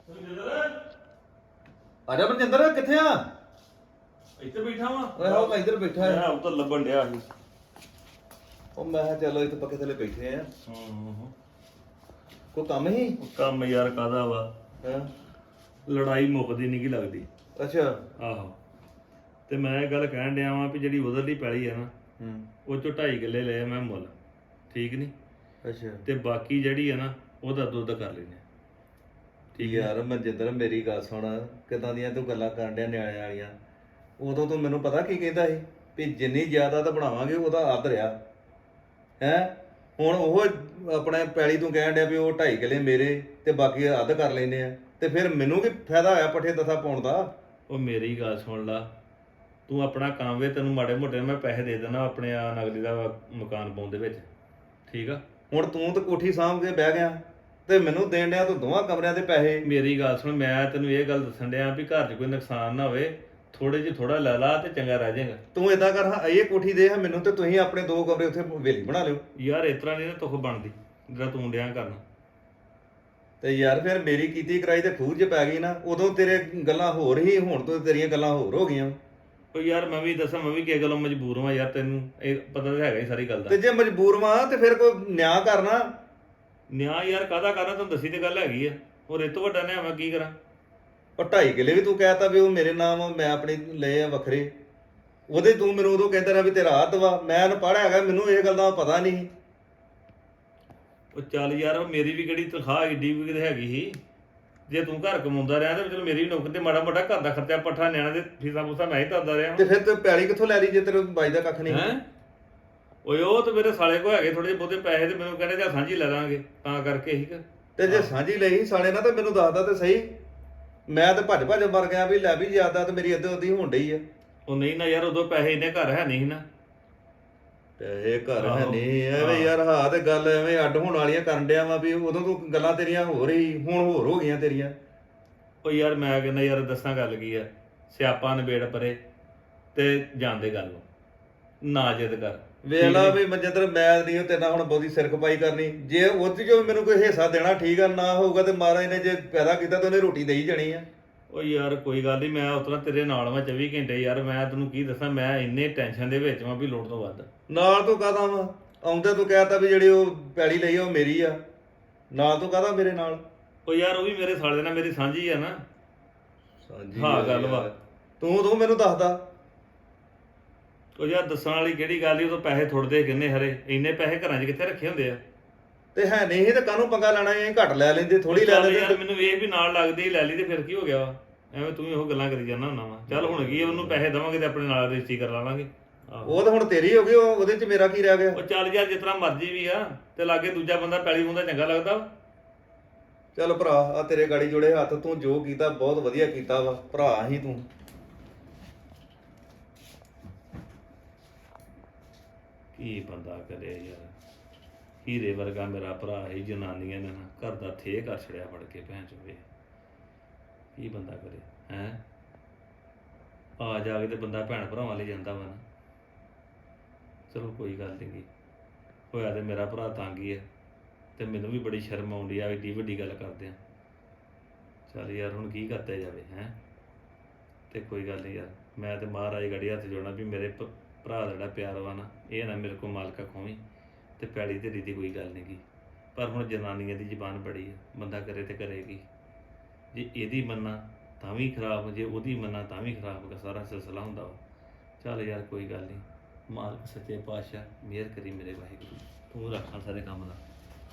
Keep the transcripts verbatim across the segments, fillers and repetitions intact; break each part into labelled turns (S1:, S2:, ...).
S1: ਆਜਾ ਮਨਜਿੰਦਰ ਕਿੱਥੇ ਆ?
S2: ਇੱਥੇ ਬੈਠਾ ਵਾਂ।
S1: ਓਏ ਹੋ ਮੈਂ ਇੱਧਰ ਬੈਠਾ
S2: ਮੈਂ
S1: ਆ।
S2: ਉਹ ਤਾਂ ਲੱਭਣ ਡਿਆ ਸੀ।
S1: ਉਹ ਮੈਂ ਕਿਹਾ ਚਲੋ ਇੱਥੇ ਪੱਕੇ ਥੱਲੇ ਬੈਠੇ ਆ।
S2: ਹੂੰ
S1: ਕੋਈ ਕੰਮ ਹੀ?
S2: ਕੰਮ ਯਾਰ ਕਾਦਾ ਵਾ,
S1: ਹਾਂ
S2: ਲੜਾਈ ਮੁੱਕਦੀ ਨਹੀਂ ਕੀ ਲੱਗਦੀ।
S1: ਅੱਛਾ।
S2: ਆਹੋ ਤੇ ਮੈਂ ਇਹ ਗੱਲ ਕਹਿਣ ਡਿਆ ਵਾਂ ਵੀ ਜਿਹੜੀ ਉਧਰਲੀ ਪੈਲੀ ਆ ਨਾ
S1: ਹੂੰ
S2: ਉਹ ਚੋਂ ਢਾਈ ਕਿੱਲੇ ਲਏ ਆ ਮੈਂ ਮੁੱਲ, ਠੀਕ ਨਹੀਂ?
S1: ਅੱਛਾ
S2: ਤੇ ਬਾਕੀ ਜਿਹੜੀ ਆ ਨਾ ਉਹਦਾ ਦੁੱਧ ਕਰ ਲੈਨੇ।
S1: ਠੀਕ ਯਾਰ ਮਨਜਿੰਦਰ ਮੇਰੀ ਗੱਲ ਸੁਣ, ਕਿਦਾਂ ਦੀਆਂ ਤੂੰ ਗੱਲਾਂ ਕਰਨ ਡਿਆ ਨਿਆਣੇ ਵਾਲੀਆਂ। ਉਦੋਂ ਤੂੰ ਮੈਨੂੰ ਪਤਾ ਕੀ ਕਹਿੰਦਾ ਸੀ ਵੀ ਜਿੰਨੀ ਜ਼ਿਆਦਾ ਤਾਂ ਬਣਾਵਾਂਗੇ ਉਹਦਾ ਅੱਧ ਰਿਹਾ ਹੈ। ਹੁਣ ਉਹ ਆਪਣੇ ਪੈਲੀ ਤੂੰ ਕਹਿਣ ਡਿਆ ਵੀ ਉਹ ਢਾਈ ਕਿੱਲੇ ਮੇਰੇ ਤੇ ਬਾਕੀ ਅੱਧ ਕਰ ਲੈਨੇ ਆ, ਤੇ ਫਿਰ ਮੈਨੂੰ ਕੀ ਫਾਇਦਾ ਹੋਇਆ ਪੱਠੇ ਦਥਾ ਪਾਉਣ ਦਾ?
S2: ਉਹ ਮੇਰੀ ਗੱਲ ਸੁਣ ਲਾ, ਤੂੰ ਆਪਣਾ ਕੰਮ ਵੇ, ਤੈਨੂੰ ਮਾੜੇ ਮੋਟੇ ਮੈਂ ਪੈਸੇ ਦੇ ਦੇਣਾ ਆਪਣੇ ਆ ਨਗਲੀ ਦਾ ਮਕਾਨ ਪਾਉਣ ਦੇ ਵਿੱਚ, ਠੀਕ ਆ?
S1: ਹੁਣ ਤੂੰ ਤਾਂ ਕੋਠੀ ਸਾਂਭ ਕੇ ਬਹਿ ਗਿਆ ਤੇ ਮੈਨੂੰ ਦੇਣ ਡਿਆ ਤੂੰ ਦੋਵਾਂ ਕਮਰਿਆਂ ਦੇ ਪੈਸੇ।
S2: ਮੇਰੀ ਗੱਲ ਸੁਣ, ਮੈਂ ਤੈਨੂੰ ਇਹ ਗੱਲ ਦੱਸਣ ਡਿਆ ਵੀ ਘਰ 'ਚ ਕੋਈ ਨੁਕਸਾਨ ਨਾ ਹੋਵੇ, ਥੋੜੇ ਜਿਹੇ ਥੋੜਾ ਲੈ ਲਾ ਤੇ ਚੰਗਾ ਰਹਿ ਜਾਏਗਾ।
S1: ਤੂੰ ਏਦਾਂ ਕਰ ਹਾਂ ਇਹ ਕੋਠੀ ਦੇ ਹਾਂ ਮੈਨੂੰ, ਤੇ ਤੁਸੀਂ ਆਪਣੇ ਦੋ ਕਮਰੇ ਉੱਥੇ ਵੇਲੀ ਬਣਾ ਲਿਓ।
S2: ਯਾਰ ਇਸ ਤਰ੍ਹਾਂ ਨਹੀਂ ਨਾ ਤੁਖ ਬਣਦੀ ਜਿਹੜਾ ਤੂੰ ਡਿਆ ਕਰਨਾ।
S1: ਤੇ ਯਾਰ ਫਿਰ ਮੇਰੀ ਕੀਤੀ ਕਰਾਈ ਤੇ ਖੂਹ 'ਚ ਪੈ ਗਈ ਨਾ, ਉਦੋਂ ਤੇਰੇ ਗੱਲਾਂ ਹੋਰ ਹੀ, ਹੁਣ ਤੋਂ ਤੇਰੀਆਂ ਗੱਲਾਂ ਹੋਰ ਹੋ ਗਈਆਂ।
S2: ਉਹ ਯਾਰ ਮੈਂ ਵੀ ਦੱਸਾਂ, ਮੈਂ ਵੀ ਕਿਸੇ ਗੱਲੋਂ ਮਜਬੂਰ ਹਾਂ ਯਾਰ, ਤੈਨੂੰ ਇਹ ਪਤਾ ਤਾਂ ਹੈਗਾ ਹੀ ਸਾਰੀ ਗੱਲ
S1: ਤੇ
S2: ਦਾ।
S1: ਜੇ ਮਜਬੂਰ ਵਾਂ ਤੇ ਫਿਰ ਕੋਈ ਨਿਆਂ ਕਰਨਾ।
S2: ਨਿਆਂ ਯਾਰ ਕਾਹਦਾ ਕਰਨਾ, ਤੈਨੂੰ ਦੱਸੀ ਤੇ ਗੱਲ ਹੈਗੀ ਆ। ਹੋਰ ਇਹ ਤੋਂ ਵੱਡਾ ਨਿਆਂ ਮੈਂ ਕੀ ਕਰਾਂ?
S1: ਉਹ ਢਾਈ ਕਿੱਲੇ ਵੀ ਤੂੰ ਕਹਿਤਾ ਵੀ ਉਹ ਮੇਰੇ ਨਾਮ ਆ, ਮੈਂ ਆਪਣੇ ਲਏ ਆ ਵੱਖਰੇ। ਉਹਦੇ ਤੂੰ ਮੈਨੂੰ ਉਦੋਂ ਕਹਿੰਦਾ ਰਿਹਾ ਵੀ ਤੇਰਾ ਹੱਥ ਵਾ, ਮੈਂ ਅਨਪੜ੍ਹ ਹੈਗਾ, ਮੈਨੂੰ ਇਹ ਗੱਲ ਦਾ ਪਤਾ ਨਹੀਂ।
S2: ਉਹ ਚੱਲ ਯਾਰ, ਉਹ ਮੇਰੀ ਵੀ ਕਿਹੜੀ ਤਨਖਾਹ ਏਡੀ ਵੀ ਕਿਤੇ ਹੈਗੀ ਸੀ। ਜੇ ਤੂੰ ਘਰ ਕਮਾਉਂਦਾ ਰਿਹਾ ਤੇ ਚਲੋ ਮੇਰੀ ਵੀ ਨੌਕਰੀ ਤੇ ਮਾੜਾ ਮੋਟਾ ਘਰ ਦਾ ਖਰਚਾ ਪੱਠਾ ਨਿਆਣਾ ਦੇ ਫੀਸਾਂ ਫੂਸਾਂ ਮੈਂ ਹੀ ਤਰਦਾ ਰਿਹਾ।
S1: ਤੇ ਫਿਰ ਤੇ ਪੈਲੀ ਕਿੱਥੋਂ ਲੈ ਲਈ ਜੇ ਤੇਰੇ ਬਾਈ ਦਾ ਕੱਖ ਨਹੀਂ?
S2: ਹੈਂ ਓਏ ਉਹ ਤੇ ਮੇਰੇ ਸਾਲੇ ਕੋ ਹੈਗੇ ਥੋੜੇ ਜਿਹੇ ਬਹੁਤੇ ਪੈਸੇ, ਤੇ ਮੈਨੂੰ ਕਹਿੰਦੇ ਜਾਂ ਸਾਂਝੀ ਲੈ ਲਾਂਗੇ, ਤਾਂ ਕਰਕੇ ਹੀ ਕਿ
S1: ਤੇ ਜੇ ਸਾਂਝੀ ਲਈ ਸਾਲੇ ਨਾਲ ਤਾਂ ਮੈਨੂੰ ਦੱਸਦਾ ਤੇ ਸਹੀ, ਮੈਂ ਤੇ ਭੱਜ ਭੱਜ ਮਰ ਗਿਆ ਵੀ ਲੈ ਵੀ ਜ਼ਿਆਦਾ ਤੇ ਮੇਰੀ ਅੱਧੋ ਅੱਧੀ ਹੋਣ ਡਈ ਆ।
S2: ਉਹ ਨਹੀਂ ਨਾ ਯਾਰ, ਉਦੋਂ ਪੈਸੇ ਇੰਨੇ ਘਰ ਹੈ ਨਹੀਂ ਸੀ ਨਾ।
S1: ਪੈਸੇ ਘਰ ਹੈ
S2: ਆਹੋ।
S1: ਨਹੀਂ ਐਵੇਂ ਯਾਰ, ਹਾਂ ਤੇ ਗੱਲ ਐਵੇਂ ਅੱਡ ਹੋਣ ਵਾਲੀਆਂ ਕਰਨ ਡਿਆ ਵਾ ਵੀ ਉਦੋਂ ਤੂੰ ਗੱਲਾਂ ਤੇਰੀਆਂ ਹੋ ਰਹੀ, ਹੁਣ ਹੋਰ ਹੋ ਗਈਆਂ ਤੇਰੀਆਂ।
S2: ਉਹ ਯਾਰ ਮੈਂ ਕਹਿੰਦਾ ਯਾਰ ਦੱਸਾਂ ਗੱਲ ਕੀ ਆ, ਸਿਆਪਾ ਨਿਬੇੜ ਪਰੇ ਤੇ ਜਾਂਦੇ ਗੱਲ ਨਾ ਜਿੱਦ ਕਰ।
S1: ਵੇਖ ਲਾ ਵੀ ਮਨਜਿੰਦਰ, ਮੈਂ ਨਹੀਂ ਤੇਰੇ ਨਾਲ ਹੁਣ ਬਹੁਤੀ ਸਿਰ ਖਪਾਈ ਕਰਨੀ। ਜੇ ਉਹ 'ਚ ਜੋ ਮੈਨੂੰ ਕੋਈ ਹਿੱਸਾ ਦੇਣਾ ਠੀਕ ਆ, ਨਾ ਹੋਊਗਾ ਤੇ ਮਹਾਰਾਜ ਨੇ ਜੇ ਪੈਦਾ ਕੀਤਾ ਤਾਂ ਉਹਨੇ ਰੋਟੀ ਦੇਈ ਜਾਣੀ ਆ।
S2: ਉਹ ਯਾਰ ਕੋਈ ਗੱਲ ਨਹੀਂ, ਮੈਂ ਉਤਰਾ ਤੇਰੇ ਨਾਲ ਵਾਂ ਚੌਵੀ ਘੰਟੇ ਯਾਰ। ਮੈਂ ਤੈਨੂੰ ਕੀ ਦੱਸਾਂ, ਮੈਂ ਇੰਨੇ ਟੈਨਸ਼ਨ ਦੇ ਵਿੱਚ ਵਾਂ ਵੀ ਲੋੜ ਤੋਂ ਵੱਧ।
S1: ਨਾਲ ਤੂੰ ਕਾਹਦਾ ਵਾ ਆਉਂਦਾ, ਤੂੰ ਕਹਿਤਾ ਵੀ ਜਿਹੜੀ ਉਹ ਪੈਲੀ ਲਈ ਆ ਉਹ ਮੇਰੀ ਆ, ਨਾਲ ਤੂੰ ਕਾਹਦਾ ਮੇਰੇ ਨਾਲ?
S2: ਉਹ ਯਾਰ ਉਹ ਵੀ ਮੇਰੇ ਸਾਲੇ ਨਾਲ ਮੇਰੀ ਸਾਂਝੀ ਆ ਨਾ।
S1: ਸਾਂਝੀ
S2: ਹਾਂ
S1: ਆ
S2: ਗੱਲ ਵਾ।
S1: ਯਾਰ। ਤੂੰ ਤੂੰ ਮੈਨੂੰ ਦੱਸਦਾ।
S2: ਉਹ ਯਾਰ ਦੱਸਣ ਵਾਲੀ ਕਿਹੜੀ ਗੱਲ ਈ, ਉਦੋਂ ਪੈਸੇ ਥੁੜਦੇ ਕਿੰਨੇ ਹਰੇ, ਇੰਨੇ ਪੈਸੇ ਘਰਾਂ 'ਚ ਕਿੱਥੇ ਰੱਖੇ ਹੁੰਦੇ ਆ।
S1: ਤੇ ਹੈ ਨਹੀਂ ਤੇ ਕਾਹਨੂੰ ਪੰਗਾ ਲੈਣਾ, ਇਹ ਘੱਟ ਲੈ ਲੈਂਦੇ, ਥੋੜੀ ਲੈ
S2: ਚੱਲ
S1: ਲੈਂਦੇ।
S2: ਯਾਰ ਮੈਨੂੰ ਵੇਖ ਵੀ ਨਾਲ ਲੱਗਦੀ ਲੈ ਲਈ ਤੇ ਫਿਰ ਕੀ ਹੋ ਗਿਆ ਵਾ, ਐਵੇਂ ਤੂੰ ਵੀ ਉਹ ਗੱਲਾਂ ਕਰੀ ਜਾਂਦਾ ਹੁੰਦਾ ਵਾ। ਚੱਲ ਹੁਣ ਕੀ ਆ, ਉਹਨੂੰ ਪੈਸੇ ਦੇਵਾਂਗੇ ਤੇ ਆਪਣੇ ਨਾਲ ਰਜਿਸਟਰੀ ਕਰ ਲਾਵਾਂਗੇ।
S1: ਉਹ ਤਾਂ ਹੁਣ ਤੇਰੀ ਹੋ ਗਈ, ਉਹ ਉਹਦੇ 'ਚ ਮੇਰਾ ਕੀ ਰਹਿ ਗਿਆ?
S2: ਉਹ ਚੱਲ ਯਾਰ ਜਿਸ ਤਰ੍ਹਾਂ ਮਰਜ਼ੀ ਵੀ ਆ, ਤੇ ਲਾਗੇ ਦੂਜਾ ਬੰਦਾ ਪੈਲੀ ਬੰਦਾ ਚੰਗਾ ਲੱਗਦਾ ਵਾ।
S1: ਚੱਲ ਭਰਾ, ਆ ਤੇਰੇ ਗਾੜੀ ਜੋੜੇ ਹੱਥ, ਤੂੰ ਜੋ ਕੀਤਾ ਬਹੁਤ ਵਧੀਆ ਕੀਤਾ ਵਾ, ਭਰਾ ਹੀ ਤੂੰ।
S2: ਕੀ ਬੰਦਾ ਕਰੇ ਯਾਰ, ਹੀਰੇ ਵਰਗਾ ਮੇਰਾ ਭਰਾ ਹੀ, ਜਨਾਨੀਆਂ ਨੇ ਨਾ ਘਰ ਦਾ ਥੇ ਕਰ ਛੜਿਆ ਫੜ ਕੇ ਭੈਣ ਚੋਵੇ। ਕੀ ਬੰਦਾ ਕਰੇ ਹੈਂ? ਆ ਜਾ ਕੇ ਤੇ ਬੰਦਾ ਭੈਣ ਭਰਾਵਾਂ ਲਈ ਜਾਂਦਾ ਵਾ ਨਾ। ਚਲੋ ਕੋਈ ਗੱਲ ਨਹੀਂ, ਹੋਇਆ ਤੇ ਮੇਰਾ ਭਰਾ ਤੰਗ ਹੀ ਹੈ, ਤੇ ਮੈਨੂੰ ਵੀ ਬੜੀ ਸ਼ਰਮ ਆਉਂਦੀ ਆ ਏਡੀ ਵੱਡੀ ਗੱਲ ਕਰਦੇ ਆ। ਚੱਲ ਯਾਰ ਹੁਣ ਕੀ ਕਰਤਾ ਜਾਵੇ ਹੈਂ? ਤੇ ਕੋਈ ਗੱਲ ਨਹੀਂ ਯਾਰ, ਮੈਂ ਤੇ ਮਹਾਰਾਜ ਗੜੀ ਹੱਥ ਜੋੜਨਾ ਵੀ ਮੇਰੇ ਭ- ਭਰਾ ਦਾ ਜਿਹੜਾ ਪਿਆਰ ਵਾ ਨਾ, ਇਹ ਨਾ ਮੇਰੇ ਕੋਲ ਮਾਲਕਾ ਖੋਵੀਂ। ਤੇ ਪੈੜੀ ਧੇਰੀ ਦੀ ਕੋਈ ਗੱਲ ਨਹੀਂ ਗੀ, ਪਰ ਹੁਣ ਜਨਾਨੀਆਂ ਦੀ ਜ਼ਬਾਨ ਬੜੀ ਆ, ਬੰਦਾ ਕਰੇ ਤੇ ਕਰੇਗੀ। ਜੇ ਇਹਦੀ ਮੰਨਾ ਤਾਂ ਵੀ ਖਰਾਬ, ਜੇ ਉਹਦੀ ਮੰਨਾ ਤਾਂ ਵੀ ਖਰਾਬ, ਸਾਰਾ ਸਿਲਸਿਲਾ ਹੁੰਦਾ ਵਾ। ਚੱਲ ਯਾਰ ਕੋਈ ਗੱਲ ਨਹੀਂ, ਮਾਲਕ ਸੱਚੇ ਪਾਤਸ਼ਾਹ ਮਿਹਰ ਕਰੀ ਮੇਰੇ ਵਾਹਿਗੁਰੂ, ਤੂੰ ਰੱਖਾਂ ਸਾਰੇ ਕੰਮ ਦਾ।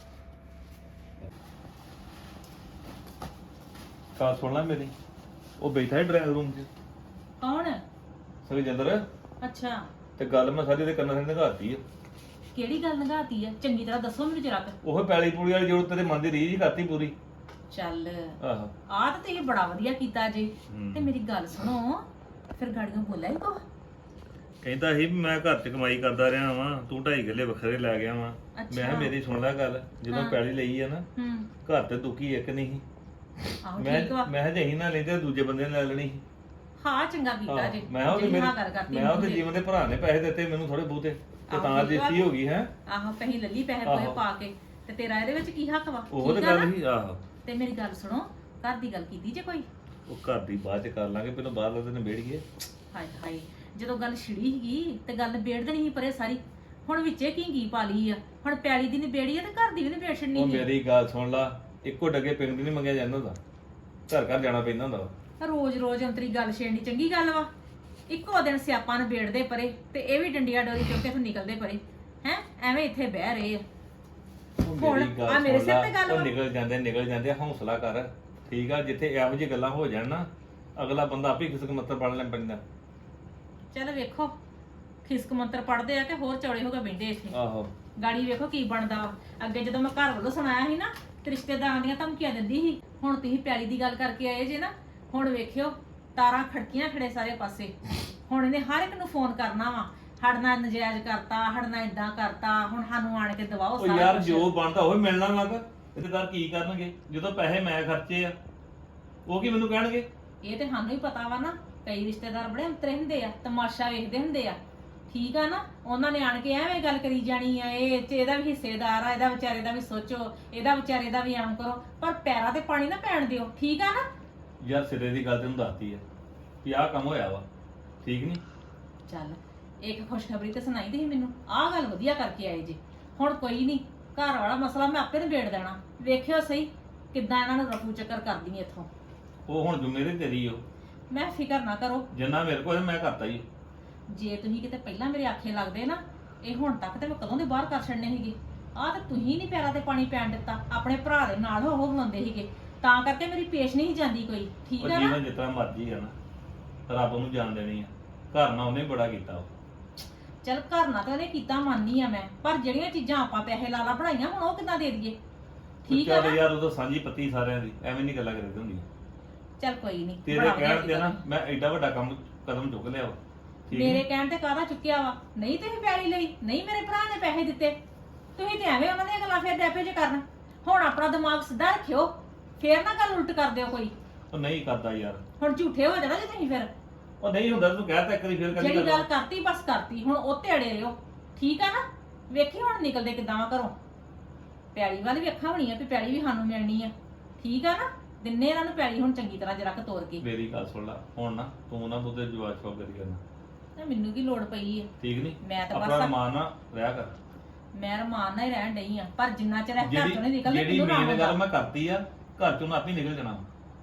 S2: ਗੱਲ ਸੁਣ ਲੈ ਮੇਰੀ, ਉਹ ਬੈਠਾ ਹੈ ਡਰਾਈਵਿੰਗ ਰੂਮ 'ਚ
S3: ਕੌਣ?
S2: ਸੁਖਜਿੰਦਰ,
S3: ਅੱਛਾ,
S2: ਤੇ ਗੱਲ ਮੈਂ ਸਾਰੀ ਦੇ ਕੰਨਾਂ ਤੇ ਲਗਾਤੀ ਆ।
S3: ਕਿਹੜੀ ਗੱਲ ਨਗਾਤੀ ਹੈ? ਚੰਗੀ ਤਰ੍ਹਾਂ ਦੱਸੋ ਮੈਨੂੰ ਜਰਾ ਕੁ।
S2: ਉਹ ਪੈਲੀ ਪੂਲੀ ਵਾਲੀ ਜੋ ਤੇਰੇ ਮਨ ਦੀ ਰੀਝ ਹੀ ਕਰਤੀ ਪੂਰੀ।
S3: ਚੱਲ
S2: ਆਹੋ
S3: ਆਹ ਤਾਂ ਤੁਸੀਂ ਬੜਾ ਵਧੀਆ ਕੀਤਾ ਜੀ।
S2: ਹੂੰ।
S3: ਤੇ ਮੇਰੀ ਗੱਲ ਸੁਣੋ, ਫਿਰ ਗਾੜੀਆਂ ਬੋਲਿਆ ਹੀ ਕੋ?
S2: ਕਹਿੰਦਾ ਸੀ ਵੀ ਮੈਂ ਘਰ 'ਚ ਕਮਾਈ ਕਰਦਾ ਰਿਹਾ ਵਾਂ, ਤੂੰ ਢਾਈ ਕਿੱਲੇ ਵੱਖਰੇ ਲੈ ਗਿਆ ਵਾਂ। ਮੈਂ ਕਿਹਾ ਮੇਰੀ ਸੁਣ ਲੈ ਗੱਲ, ਜਦੋਂ
S3: ਹਾਂ।
S2: ਪੈਲੀ ਲਈ ਆ ਨਾ,
S3: ਹੂੰ,
S2: ਘਰ ਤੇ ਦੁਖੀ ਇੱਕ ਨਹੀਂ ਸੀ।
S3: ਆਹੋ
S2: ਮੈਂ
S3: ਠੀਕ ਵਾ।
S2: ਮੈਂ ਹਜੇ ਹੀ ਨਾ ਲੈਂਦੇ, ਦੂਜੇ ਬੰਦੇ ਨੇ ਲੈ ਲੈਣੀ ਸੀ।
S3: ਹਾਂ ਚੰਗਾ ਕੀਤਾ ਜੀ।
S2: ਮੈਂ ਉਹਦੇ
S3: ਜਿਹੜੀ
S2: ਮੇਰੇ
S3: ਹਾਂ ਗੱਲ ਕਰਤੀ
S2: ਮੈਂ ਉਹਦੇ
S3: ਮੂੰਹ ਤੇ।
S2: ਜੀਵਨ ਦੇ ਭਰਾ ਨੇ ਪੈਸੇ ਦਿੱਤੇ ਮੈਨੂੰ ਥੋੜੇ ਬਹੁਤੇ, ਤੇ
S3: ਆਹੋ,
S2: ਤਾਂ
S3: ਠੀਕ ਵਾ।
S2: ਦੇਸੀ ਹੋ ਗਈ ਹੈ।
S3: ਆਹੋ ਕਹੀਂ ਲੱਲੀ ਪੈਸੇ ਪੋਏ
S2: ਆਹੋ।
S3: ਪਾ ਕੇ, ਤੇ ਤੇਰਾ ਇਹਦੇ ਵਿੱਚ ਕੀ ਹੱਕ ਵਾ?
S2: ਉਹ ਤੇ
S3: ਠੀਕ ਆ
S2: ਗੱਲ
S3: ਨਾ?
S2: ਹੀ ਆਹੋ।
S3: ਤੇ ਮੇਰੀ ਗੱਲ ਸੁਣੋ, ਘਰ ਦੀ ਗੱਲ ਕੀਤੀ ਜੇ ਕੋਈ?
S2: ਉਹ ਘਰ ਦੀ ਬਾਅਦ ਚ ਕਰ ਲਾਂਗੇ, ਪਹਿਲਾਂ ਬਾਹਰ ਉਹਦੇ ਨਿਬੇੜੀਏ।
S3: ਹਾਏ ਹਾਏ, ਜਦੋਂ ਗੱਲ ਛਿੜੀ ਸੀਗੀ ਤੇ ਗੱਲ ਨਿਬੇੜ ਦੇਣੀ ਸੀ ਪਰੇ ਸਾਰੀ। ਹੁਣ ਵਿੱਚੇ ਕੀ ਕੀ ਪਾ ਲਈ ਆ? ਹੁਣ ਪੈਲੀ ਦੀ ਨਿਬੇੜੀ ਆ ਤੇ ਘਰ ਦੀ ਵੀ ਨਿਬੇੜ ਛੱਡਣੀ
S2: ਉਹ
S3: ਸੀ।
S2: ਮੇਰੀ ਗੱਲ ਸੁਣ ਲਾ, ਇੱਕੋ ਡੱਗੇ ਪਿੰਡ ਦੀ ਨਹੀਂ ਮੰਗਿਆ ਜਾਂਦਾ ਹੁੰਦਾ, ਘਰ ਘਰ ਜਾਣਾ ਪੈਂਦਾ ਹੁੰਦਾ ਵਾ।
S3: ਰੋਜ਼ ਰੋਜ਼ ਅੰਤਰੀ ਗੱਲ ਛੇੜਨੀ ਚੰਗੀ ਗੱਲ ਵਾ? ਇੱਕੋ ਦਿਨ ਸਿਆਪਾ ਨਿਬੇੜਦੇ ਪਰੇ ਤੇ ਇਹ ਵੀ ਡੰਡੀਆਂ ਡੋਰੀ ਚੁੱਕ ਕੇ ਇੱਥੋਂ ਨਿਕਲਦੇ ਪਰੇ। ਹੈ ਐਵੇਂ ਇੱਥੇ ਬਹਿ ਰਹੇ ਆ।
S2: ਉਹ
S3: ਹੁਣ
S2: ਮੇਰੀ ਗੱਲ
S3: ਆ ਮੇਰੇ
S2: ਸੁਣ
S3: ਸਿਰ
S2: ਲਾ,
S3: ਤੇ ਗੱਲ
S2: ਉਹ
S3: ਵਾ।
S2: ਨਿਕਲ ਜਾਂਦੇ ਨਿਕਲ ਜਾਂਦੇ, ਹੌਸਲਾ ਕਰ, ਠੀਕ ਆ। ਜਿੱਥੇ ਇਹੋ ਜਿਹੀ ਗੱਲਾਂ ਹੋ ਜਾਣ ਨਾ, ਅਗਲਾ ਬੰਦਾ ਆਪੇ ਖਿਸਕ ਮੱਤਰ ਪੜ ਲੈ ਪੈਂਦਾ।
S3: ਚੱਲ ਵੇਖੋ ਖਿਸਕ ਮੰਤਰ ਪੜਦੇ ਆ ਕਿ ਹੋਰ ਚੌੜੇ ਹੋ ਕੇ ਬੈਠੇ ਇੱਥੇ।
S2: ਆਹੋ
S3: ਗਾੜੀ ਵੇਖੋ ਕੀ ਬਣਦਾ ਵਾ। ਅੱਗੇ ਜਦੋਂ ਮੈਂ ਘਰ ਵੱਲੋਂ ਸੁਣਾਇਆ ਸੀ ਨਾ ਤੇ ਰਿਸ਼ਤੇਦਾਰਾਂ ਦੀਆਂ ਧਮਕੀਆਂ ਦਿੰਦੀ ਸੀ, ਹੁਣ ਤੁਸੀਂ ਪਿਆਲੀ ਦੀ ਗੱਲ ਕਰਕੇ ਆਏ ਜੇ ਨਾ, ਹੁਣ ਵੇਖਿਓ ਤਾਰਾਂ ਖੜਕੀਆਂ ਖੜੇ ਸਾਰੇ ਪਾਸੇ। ਹੁਣ ਇਹਨੇ ਹਰ ਇੱਕ ਨੂੰ ਫੋਨ ਕਰਨਾ ਵਾ, ਹੜਨਾ ਨਜਾਇਜ਼ ਕਰਤਾ, ਹੜਨਾ ਇਦਾਂ ਕਰਤਾ, ਹੁਣ ਸਾਨੂੰ ਆਣ ਕੇ ਦਵਾਓ
S2: ਉਹ
S3: ਸਾਰਾ
S2: ਯਾਰ
S3: ਕੁਛ।
S2: ਜੋ ਬਣਦਾ ਉਹ ਮਿਲਣਾ ਲੱਗ। ਰਿਸ਼ਤੇਦਾਰ ਕੀ ਕਰਨਗੇ ਜਦੋਂ ਪੈਸੇ ਮੈਂ ਖਰਚੇ ਆ? ਉਹ ਕੀ ਮੈਨੂੰ ਕਹਿਣਗੇ?
S3: ਇਹ ਤੇ ਸਾਨੂੰ ਹੀ ਪਤਾ ਵਾ ਨਾ, ਕਈ ਰਿਸ਼ਤੇਦਾਰ ਬੜੇ ਅੰਤਰੇ ਹੁੰਦੇ ਆ, ਤਮਾਸ਼ਾ ਵੇਖਦੇ ਹੁੰਦੇ ਆ, ਠੀਕ ਆ ਨਾ। ਉਹਨਾਂ ਨੇ ਆਣ ਕੇ ਐਵੇਂ ਗੱਲ ਕਰੀ ਜਾਣੀ ਆ, ਇਹ ਚ ਇਹਦਾ ਵੀ ਹਿੱਸੇਦਾਰ ਆ, ਇਹਦਾ ਵਿਚਾਰੇ ਦਾ ਵੀ ਸੋਚੋ, ਇਹਦਾ ਵਿਚਾਰੇ ਦਾ ਵੀ ਆਮ ਕਰੋ, ਪਰ ਪੈਰਾਂ ਤੇ ਪਾਣੀ ਨਾ ਪੈਣ ਦਿਓ, ਠੀਕ ਆ ਨਾ।
S2: ਯਾਰ ਸਿਰੇ ਦੀ ਗੱਲ ਤੈਨੂੰ ਦੱਸਤੀ ਆ ਵੀ ਆਹ ਕੰਮ ਹੋਇਆ ਵਾ, ਠੀਕ ਨਹੀਂ?
S3: ਚੱਲ ਇੱਕ ਖੁਸ਼ਖਬਰੀ ਤੇ ਸੁਣਾਈ ਦੀ ਸੀ ਮੈਨੂੰ, ਆਹ ਗੱਲ ਵਧੀਆ ਕਰਕੇ ਆਏ ਜੇ। ਹੁਣ ਕੋਈ ਨਹੀਂ, ਘਰ ਵਾਲਾ ਮਸਲਾ ਮੈਂ ਆਪੇ ਨਿਬੇੜ ਦੇਣਾ। ਵੇਖਿਓ ਸਹੀ ਕਿੱਦਾਂ ਇਹਨਾਂ ਨੂੰ ਰਫੂ ਚੱਕਰ ਕਰਦੀ ਇੱਥੋਂ।
S2: ਉਹ ਹੁਣ ਜ਼ਿੰਮੇਵਾਰੀ ਤੇਰੀ ਓ,
S3: ਮੈਂ ਫਿਕਰ ਨਾ ਕਰੋ,
S2: ਜਿੰਨਾ ਮੇਰੇ ਕੋਲ ਮੈਂ ਕਰਤਾ ਹੀ।
S3: ਜੇ ਤੁਸੀਂ ਕਿਤੇ ਪਹਿਲਾਂ ਮੇਰੇ ਆਖੇ ਲੱਗਦੇ ਨਾ, ਇਹ ਹੁਣ ਤੱਕ ਤੇ ਮੈਂ ਕਦੋਂ ਦੇ ਬਾਹਰ ਕਰ ਛੱਡਨੇ ਸੀਗੇ। ਆਹ ਤੇ ਤੁਸੀਂ ਨਹੀਂ ਪੈਰਾਂ ਤੇ ਪਾਣੀ ਪੈਣ ਦਿੱਤਾ, ਆਪਣੇ ਭਰਾ ਦੇ ਨਾਲ ਹੋ ਹੋ ਬਣਾਉਂਦੇ ਸੀਗੇ, ਤਾਂ ਕਰਕੇ ਮੇਰੀ ਪੇਸ਼ ਨਹੀਂ ਜਾਂਦੀ ਕੋਈ, ਠੀਕ
S2: ਉਹ
S3: ਆ ਨਾ।
S2: ਜੀਵਨ ਜਿਤਨਾ ਮਰਜੀ ਆ ਨਾ, ਰੱਬ ਨੂੰ ਜਾਣ ਦੇਣੀ ਆ। ਘਰ ਨਾਲ ਉਹਨੇ ਬੜਾ ਕੀਤਾ ਉਹ।
S3: ਚੱਲ ਘਰ ਨਾ ਤਾਂ ਉਹਨੇ ਕੀਤਾ ਮੰਨਨੀ ਆ ਮੈਂ, ਪਰ ਜਿਹੜੀਆਂ ਚੀਜ਼ਾਂ ਆਪਾਂ ਪੈਸੇ ਲਾ ਲਾ ਬਣਾਈਆਂ ਹੁਣ ਉਹ ਕਿੱਦਾਂ ਦੇ ਦਈਏ, ਠੀਕ ਆ
S2: ਚੱਲ
S3: ਨਾ।
S2: ਯਾਰ ਉਦੋਂ ਸਾਂਝੀ ਪੱਤੀ ਸਾਰਿਆਂ ਦੀ, ਐਵੇਂ ਨਹੀਂ ਗੱਲਾਂ ਕਰਦੇ ਹੁੰਦੀਆਂ।
S3: ਚੱਲ ਕੋਈ ਨਹੀਂ,
S2: ਤੇਰੇ ਕਹਿਣ ਤੇ ਨਾ ਮੈਂ ਐਡਾ ਵੱਡਾ ਕੰਮ ਕਦਮ ਚੁੱਕ ਲਿਆ ਵਾ, ਠੀਕ
S3: ਮੇਰੇ
S2: ਨੀ?
S3: ਕਹਿਣ ਤੇ ਕਾਹਦਾ ਚੁੱਕਿਆ ਵਾ? ਨਹੀਂ ਤੁਸੀਂ ਪੈਲੀ ਲਈ, ਨਹੀਂ ਮੇਰੇ ਭਰਾ ਨੇ ਪੈਸੇ ਦਿੱਤੇ, ਤੁਸੀਂ ਤੇ ਐਵੇਂ ਉਹਨਾਂ ਦੀਆਂ ਗੱਲਾਂ ਫੇਰ ਡੈਪੇ ਚ ਕਰਨ। ਹੁਣ ਆਪਣਾ ਦਿਮਾਗ ਸਿੱਧਾ ਰੱਖਿਓ, ਫੇਰ ਨਾ ਗੱਲ ਉਲਟ ਕਰ ਦਿਓ ਕੋਈ।
S2: ਉਹ ਨਹੀਂ ਕਰਦਾ ਯਾਰ।
S3: ਹੁਣ ਝੂਠੇ ਹੋ ਜਾਣਾ ਜੇ ਤੁਸੀਂ ਫਿਰ।
S2: ਉਹ ਨਹੀਂ ਹੁੰਦਾ, ਤੂੰ ਕਹਿ ਤਾ ਇੱਕ ਵਾਰੀ ਫੇਰ ਕਦੀ
S3: ਜਿਹੜੀ ਗੱਲ ਕਰਤੀ ਬਸ ਕਰਤੀ, ਹੁਣ ਉਹ ਤੇ ਅੜੇ ਰਹੋ, ਠੀਕ ਆ ਨਾ। ਵੇਖੀ ਹੁਣ ਨਿਕਲਦੇ ਕਿੱਦਾਂ ਵਾ ਘਰੋਂ। ਪੈਲੀ ਵੱਲ ਵੀ ਅੱਖਾਂ ਹੋਣੀ ਆ ਵੀ ਪੈਲੀ ਵੀ ਸਾਨੂੰ ਮਿਲਣੀ ਆ, ਠੀਕ ਆ ਨਾ। ਦਿਨੇ ਇਹਨਾਂ ਨੂੰ ਪੈਲੀ ਹੁਣ ਚੰਗੀ ਤਰ੍ਹਾਂ ਜਰਾ ਕੁ ਤੋੜ ਕੇ।
S2: ਮੇਰੀ ਗੱਲ ਸੁਣ ਲੈ ਹੁਣ ਨਾ, ਤੂੰ ਨਾ ਬੁੱਧੇ ਜਵਾਬ ਛੋ ਕਰੀ ਕਰਨਾ,
S3: ਤੇ ਮੈਨੂੰ ਕੀ ਲੋੜ ਪਈ ਆ?
S2: ਠੀਕ ਨਹੀਂ?
S3: ਮੈਂ ਤਾਂ
S2: ਆਪਣਾ
S3: ਬਸ
S2: ਮਾਨ ਨਾ ਰਿਹਾ ਕਰ।
S3: ਮੈਂ ਰਮਾਨ ਨਾਲ ਹੀ ਰਹਿਣ ਡਈ ਆ, ਪਰ ਜਿੰਨਾ ਚਿਰ ਇਹ ਘਰ
S2: ਜਿਹੜੀ
S3: ਚੋਂ ਨਹੀਂ ਨਿਕਲਦੇ
S2: ਜਿਹੜੀ
S3: ਮੈਨੂੰ ਨਾ
S2: ਮੇਨ ਗੱਲ
S3: ਆਉਂਦਾ।
S2: ਮੈਂ ਕਰਤੀ ਆ, ਘਰ ਚੋਂ ਨਾ ਆਪੇ ਨਿਕਲ ਜਾਣਾ।